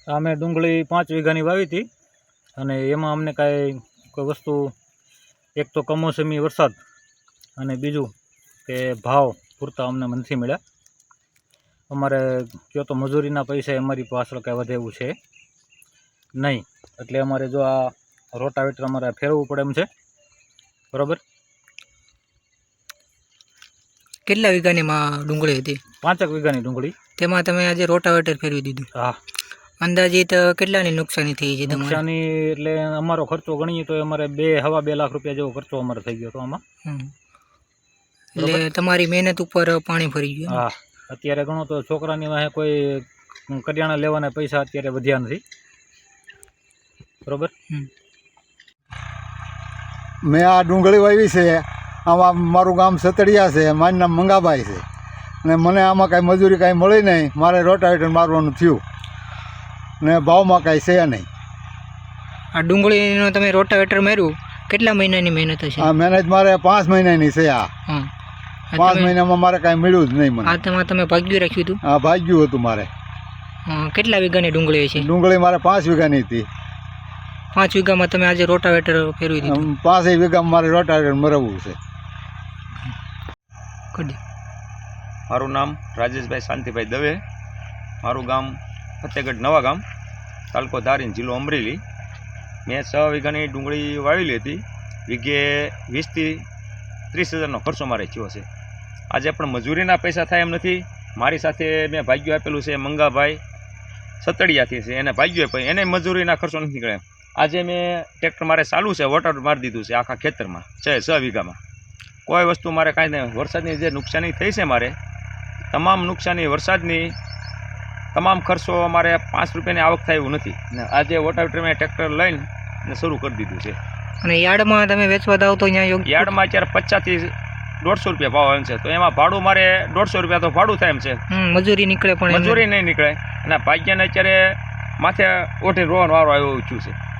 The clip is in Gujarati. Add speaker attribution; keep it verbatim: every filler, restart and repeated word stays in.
Speaker 1: અમે ડુંગળી પાંચ વીઘાની વાવી હતી અને એમાં અમને કાંઈ કોઈ વસ્તુ એક તો કમોસમી વરસાદ અને બીજું કે ભાવ પૂરતા અમને નથી મળ્યા. અમારે કયો તો મજૂરીના પૈસા અમારી પાછળ કાંઈ વધે એવું છે નહીં, એટલે અમારે જો આ રોટાવેટર અમારે ફેરવવું પડે એમ છે. બરાબર.
Speaker 2: કેટલા વીઘાની માં ડુંગળી હતી?
Speaker 1: પાંચેક વીઘાની ડુંગળી.
Speaker 2: તેમાં તમે આજે રોટાવેટર ફેરવી દીધું?
Speaker 1: હા.
Speaker 2: અંદાજિત કેટલાની નુકસાની થઈ છે?
Speaker 1: નુકસાની એટલે અમારો ખર્ચો ગણીએ તો અમારે બે હવા બે લાખ રૂપિયા જેવો ખર્ચો અમારે થઈ ગયો હતો આમાં.
Speaker 2: એટલે તમારી મહેનત ઉપર પાણી ફરી ગયું.
Speaker 1: હા, અત્યારે ગણો તો છોકરાની વાહે કોઈ કરિયાણા લેવાના પૈસા અત્યારે વધ્યા નથી. બરોબર.
Speaker 3: મેં આ ડુંગળી વાવી છે. આમાં મારું ગામ સતડિયા છે, મારું નામ મંગાભાઈ છે ને મને આમાં કાંઈ મજૂરી કાંઈ મળી નહીં. મારે રોટાવેટર મારવાનું થયું ને ભાવમાં કાંઈ છે નહીં.
Speaker 2: આ ડુંગળીનો તમે રોટાવેટર માર્યું, કેટલા મહિનાની મહેનત હશે?
Speaker 3: આ મહેનત મારે પાંચ મહિનાની છે. આ પાંચ મહિનામાં મારે કાંઈ મળ્યું જ નહીં મને.
Speaker 2: આ તેમાં તમે ભાગ્યું રાખ્યું હતું?
Speaker 3: હા, ભાગ્યું હતું મારે.
Speaker 2: કેટલા વીઘાની ડુંગળી છે?
Speaker 3: ડુંગળી મારે પાંચ વીઘાની હતી.
Speaker 2: પાંચ વીઘામાં તમે આજે રોટાવેટર ફેરવી દીધું?
Speaker 3: પાંચેય વીઘામાં મારે રોટાવેટર મરવવું છે.
Speaker 4: મારું નામ રાજેશભાઈ શાંતિભાઈ દવે, મારું ગામ ફતેહગઢ નવા ગામ, તાલુકો ધારીન, જિલ્લો અમરેલી. મેં છ વીઘાની ડુંગળી વાવેલી હતી. વીઘે વીસથી ત્રીસ હજારનો ખર્ચો મારે થયો છે. આજે પણ મજૂરીના પૈસા થાય એમ નથી. મારી સાથે મેં ભાગ્યું આપેલું છે મંગાભાઈ સતડિયાથી છે, એને ભાગ્યું આપ્યું, એને મજૂરીના ખર્ચો નથી નીકળે. આજે મેં ટ્રેક્ટર મારે ચાલુ છે, વોટર મારી દીધું છે આખા ખેતરમાં, છે છ વીઘામાં. કોઈ વસ્તુ મારે કાંઈ નહીં. વરસાદની જે નુકસાની થઈ છે મારે, તમામ નુકસાની વરસાદની તમામ ખર્ચો અમારે પાંચ રૂપિયાની આવક થાય એવું નથી. ને આજે વોટાવેટર મેં ટ્રેક્ટર લઈને શરૂ કરી દીધું છે.
Speaker 2: અને યાર્ડમાં તમે વેચવા દાવ તો અહીંયા યોગ્ય?
Speaker 4: યાર્ડમાં અત્યારે પચાસથી દોઢસો રૂપિયા ભાવ એમ છે, તો એમાં ભાડું મારે દોઢસો રૂપિયા તો ભાડું થાય એમ છે.
Speaker 2: મજૂરી નીકળે પણ
Speaker 4: મજૂરી નહીં નીકળે અને ભાગ્યને અત્યારે માથે ઓઠી રોવાનો વારો આવ્યો છું છે.